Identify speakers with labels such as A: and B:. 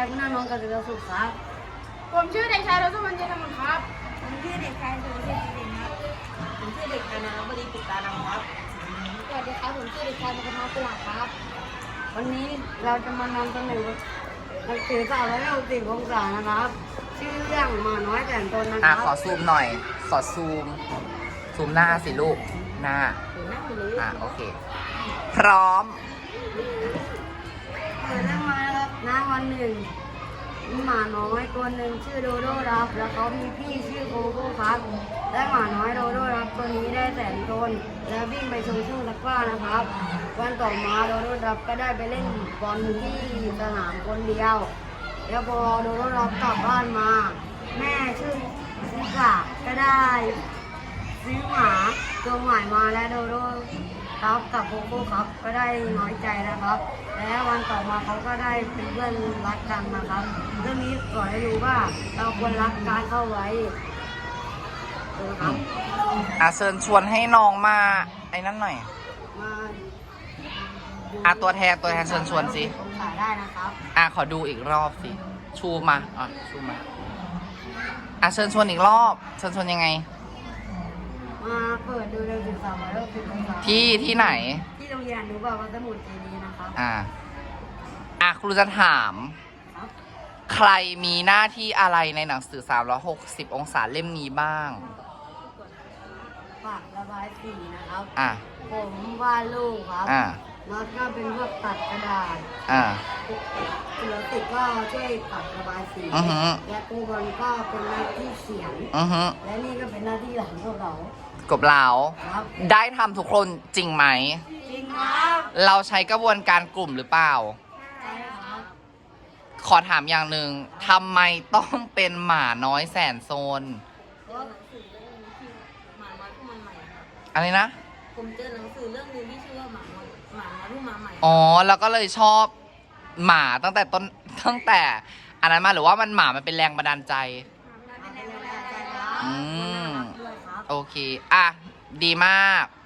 A: คุณน้องกฤษสุขครับ
B: ผมชื่อเด็กชายรสมันเจนมุนครับ
C: ผมชื่อเด็กชายสุรเชษฐ์เด่นครับผมชื่อเด็กชายนรบดีปิตานามครับ
B: สวัสดีครับผมชื่อเด็กชายมงคลกุหลาบครับ
A: วันนี้เราจะมานำเสนอหนังสือ360องศานะครับชื่อเรื่องหมาน้อยแสนตนนะค
D: อ่ะ
A: รับ
D: ขอซูมหน่อย ขอซูมหน้าสิลูก หน้า โอเค พร้อม
A: เปิดเรื่องมานะครับวันหนึ่งมีหมาน้อยตัวหนึ่งชื่อโดโดครับแล้วเขามีพี่ชื่อโกโก้ครับและหมาน้อยโดโดครับตัวนี้ได้แสนตนและวิ่งไปชนช่วงตะกร้านะครับวันต่อมาโดโดครับก็ได้ไปเล่นบอลที่สนามคนเดียวแล้วพอโดโดครับกลับบ้านมา แม่ชื่อซิกะก็ได้ซื้อหมาตัวใหม่มาและโดโดครับกับโกโก้ครับก็ได้น้อยใจนะครับ และวันต่อมาเขาก็ได้เป็นเพื่อนรักกันนะครับเรื่องนี้สอนให้รู้ว่าเราควรรักการเข้าไว้นะครับ
D: เชิญชวนให้น้องมาไอ้นั่นหน่อย
A: มา
D: ตัวแทนเชิญชวนสิ
A: ผมขายได้นะครับ
D: ขอดูอีกรอบสิ ชูมาชูมาเชิญชวนอีกรอบ เชิญชวนยังไง
A: มาเปิดดูเร็ว13วันแล้วคือองศา
D: ที่ไหน
A: ที่โรงเรียนหนูบอกว่าสมุดเจดีย์นะครับ
D: ครูจะถาม
A: ครับ
D: ใครมีหน้าที่อะไรในหนังสือ360องศาเล่มนี้บ้าง
A: ปากระบายสีนะครับ
D: อ่ะ
A: ผมวาดรูปครับ
D: อ่ะ
A: แล้วก็เป็นพวกตัดกระดาษ
D: อ่ะ
A: ศิลปินก็ช่วยตัดระบายสี
D: อือฮึ
A: และครูบอลก็เป็นหน้าที่เขียน และนี่ก็เป็นหน้าที่หลังพวกเรา
D: กบเหลา
A: ครับ
D: ได้ทำทุกคนจริงไหม
A: จริงครับ
D: เราใช้กระบวนการกลุ่มหรือเปล่า
A: ใช่ครับ
D: ขอถามอย่างหนึ่งทำไมต้องเป็นหมาน้อยแสนโซน
C: หนังสือเรื่องนึงที่หมาน้อยผู้มาใหม่ครับ
D: อะไรนะ
C: ผมเจอหนังสือเรื่องนึงที่ชื่อว่าหมาน้อยผู้มาใหม่
D: อ๋อ แล้วก็เลยชอบหมาตั้งแต่อันนั้นมาหรือว่าหมามันเป็นแรงบันดาลใจ
A: เป็นแรงบันดาลใจครับ
D: อืม
A: ด้วยครับ
D: โอเค ดีมาก